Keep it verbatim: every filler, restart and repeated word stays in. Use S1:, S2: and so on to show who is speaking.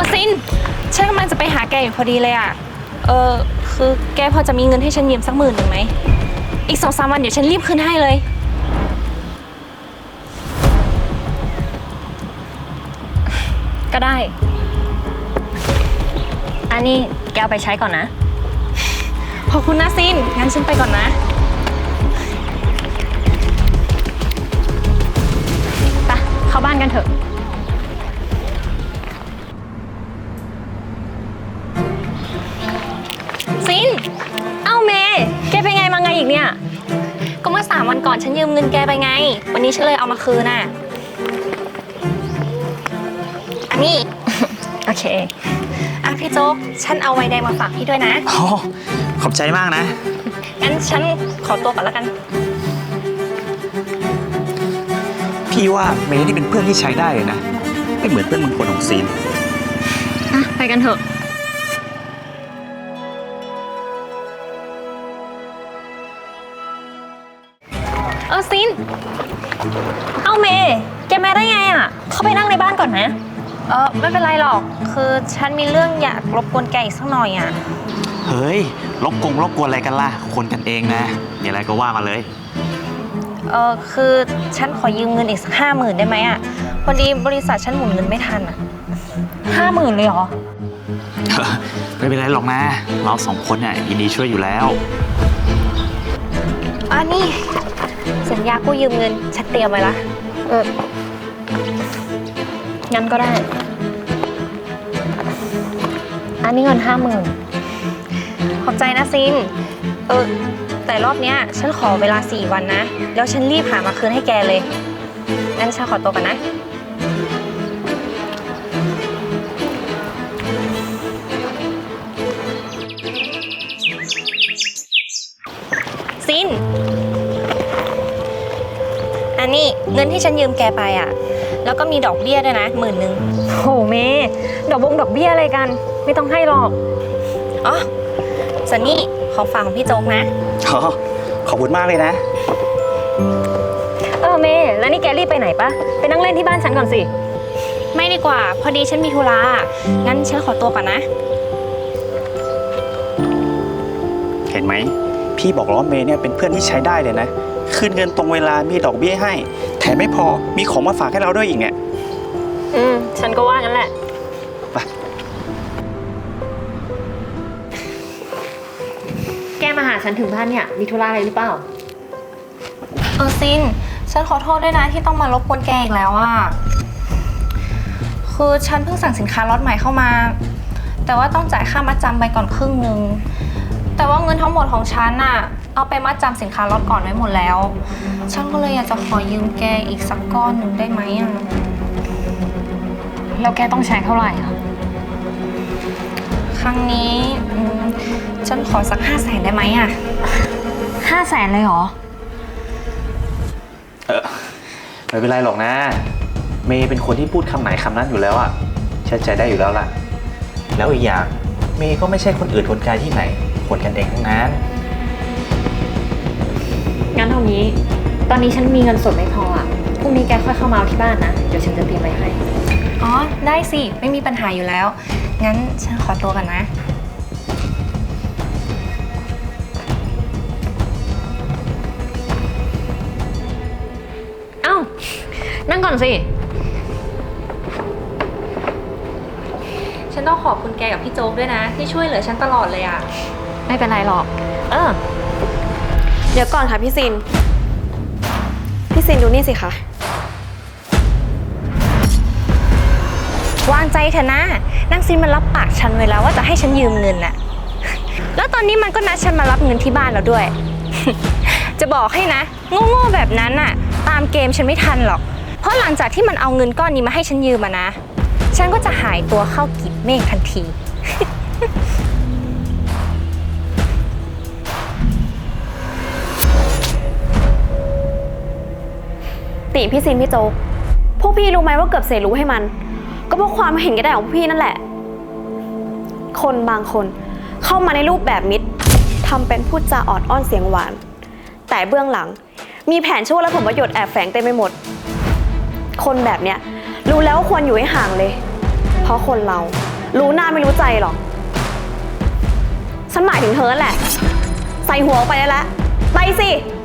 S1: อซินฉันกำลังจะไปหาแกอยู่พอดีเลยอ่ะเออคือแกพอจะมีเงินให้ฉันยืมสักหมื่นหนึ่งไหมอีกสองสามวันเดี๋ยวฉันรีบคืนให้เลย
S2: ก็ได้อันนี้แกเอาไปใช้ก่อนนะ
S1: ขอบคุณนะซินงั้นฉันไปก่อนนะ
S2: ไปเข้าบ้านกันเถอะ
S1: ซิน
S2: เอ้าเมย์แกเป็นไงมาไงอีกเนี่ย
S1: ก็เมื่อสามวันก่อนฉันยืมเงินแกไปไงวันนี้ฉันเลยเอามาคืนน่ะอันนี้
S2: โอเค
S1: อ่ะพี่โจ๊กฉันเอาไวน์แดงมาฝากพี่ด้วยนะ
S3: โอ้ขอบใจมากนะ
S1: งั้นฉันขอตัวก่อนแล้วกัน
S3: พี่ว่าเมย์นี่เป็นเพื่อนที่ใช้ได้เลยนะไม่เหมือนเพื่อนบางคนของซีน
S2: อ่ะไปกันเถอะ
S1: เออซิน
S2: เอาเมย์แกมาได้ไงอ่ะเข้าไปนั่งในบ้านก่อนนะ
S1: เออไม่เป็นไรหรอกคือฉันมีเรื่องอยากรบกวนแกอีกสักหน่อยอ่ะ
S3: เฮ้ยรบกงรบกวนอะไรกันล่ะคนกันเองนะมีอะไรก็ว่ามาเลย
S1: เออคือฉันขอยืมเงินอีกสักห้าหมื่นได้ไหมอ่ะพอดีบริษัทฉันหมุนเงินไม่ทันอ่ะ
S2: ห้าหมื่นเลยเหรอ
S3: ไม่เป็นไรหรอกนะเราสองคนเนี่ยยินดีช่วยอยู่แล้ว
S1: อันนี้สัญญากู้ยืมเงินฉันเตรียมไว้ละ
S2: เอองั้นก็ได้อันนี้เงินห้าหมื่น
S1: ขอบใจนะซินเออแต่รอบเนี้ยฉันขอเวลาสี่วันนะแล้วฉันรีบหามาคืนให้แกเลยงั้นฉันขอตัวกันนะซินอันนี้เงินที่ฉันยืมแกไปอ่ะแล้วก็มีดอกเบี้ยด้วยนะหมื่นหนึ่ง
S2: โหเมย์ดอกบงดอกเบี้ยอะไรกันไม่ต้องให้หรอก
S1: อ๋อส่วนนี้ของฝากของพี่โจ๊กนะ
S3: อ๋อขอบคุณมากเลยนะ
S2: เออเมย์แล้วนี่แกรีบไปไหนปะไปนั่งเล่นที่บ้านฉันก่อนสิ
S1: ไม่ดีกว่าพอดีฉันมีธุระงั้นฉันขอตัวก่อนนะ
S3: เห็นไหมพี่บอกแล้วว่าเมย์เนี่ยเป็นเพื่อนที่ใช้ได้เลยนะคืนเงินตรงเวลามีดอกเบี้ยให้แถมไม่พอมีของมาฝากให้เราด้วยอีกเนี่ย
S2: อืมฉันก็ว่างั้นแหละ
S3: ไป
S2: แกมาหาฉันถึงบ้านเนี่ยมีธุระอะไรหรือเปล่า
S1: เออซินฉันขอโทษด้วยนะที่ต้องมารบกวนแกอีกแล้วอ่ะคือฉันเพิ่งสั่งสินค้าล็อตใหม่เข้ามาแต่ว่าต้องจ่ายค่ามัดจำไปก่อนครึ่งนึงแต่ว่าเงินทั้งหมดของฉันน่ะเอาไปมัดจำสินค้าล็อตก่อนไว้หมดแล้วฉันก็เลยอยากจะขอยืมแกอีกสักก้อนหนึ่งได้ไหมอ่ะ
S2: แล้วแกต้องใช้เท่าไหร่อ่ะ
S1: ครั้งนี้ฉันขอสักห้าแสนได้ไหมอ่ะ
S2: ห้าแสนเลยเหรอ
S3: เออไม่เป็นไรหรอกนะเมย์เป็นคนที่พูดคำไหนคำนั้นอยู่แล้วอ่ะเชื่อใจได้อยู่แล้วล่ะแล้วอีกอย่างเมย์ก็ไม่ใช่คนอื่นคนไกลที่ไหนคนกันเองทั้งนั้น
S2: งั้นเท่านี้ตอนนี้ฉันมีเงินสดไม่พออ่ะพรุ่งนี้แกค่อยเข้ามาเอาที่บ้านนะเดี๋ยวฉันจะเตรียมไว้ให้
S1: อ๋อได้สิไม่มีปัญหาอยู่แล้วงั้นฉันขอตัวกันนะ
S2: เอ้านั่งก่อนสิ
S1: ฉันต้องขอบคุณแกกับพี่โจ๊กด้วยนะที่ช่วยเหลือฉันตลอดเลยอ่ะ
S2: ไม่เป็นไรหรอกเออ
S4: เดี๋ยวก่อนค่ะพี่ซินพี่ซินดูนี่สิคะ
S1: วางใจเถอะนะนางซินมันรับปากฉันไว้แล้วว่าจะให้ฉันยืมเงินน่ะแล้วตอนนี้มันก็นัดฉันมารับเงินที่บ้านแล้วด้วย จะบอกให้นะโง่ๆแบบนั้นน่ะตามเกมฉันไม่ทันหรอกเพราะหลังจากที่มันเอาเงินก้อนนี้มาให้ฉันยืมมานะฉันก็จะหายตัวเข้ากีบเมฆทันที
S4: ติพี่ซินพี่โจ๊กพวกพี่รู้ไหมว่าเกือบเสียรู้ให้มันก็เพราะความเห็นแก่ได้ของพี่นั่นแหละคนบางคนเข้ามาในรูปแบบมิตรทำเป็นพูดจาออดอ้อนเสียงหวานแต่เบื้องหลังมีแผนชั่วและผลประโยชน์แอบแฝงเต็มไปหมดคนแบบเนี้ยรู้แล้วว่าควรอยู่ให้ห่างเลยเพราะคนเรารู้หน้าไม่รู้ใจหรอก ฉันหมายถึงเธอนั่นแหละ ใส่หัวออกไปได้แล้ว ไปสิ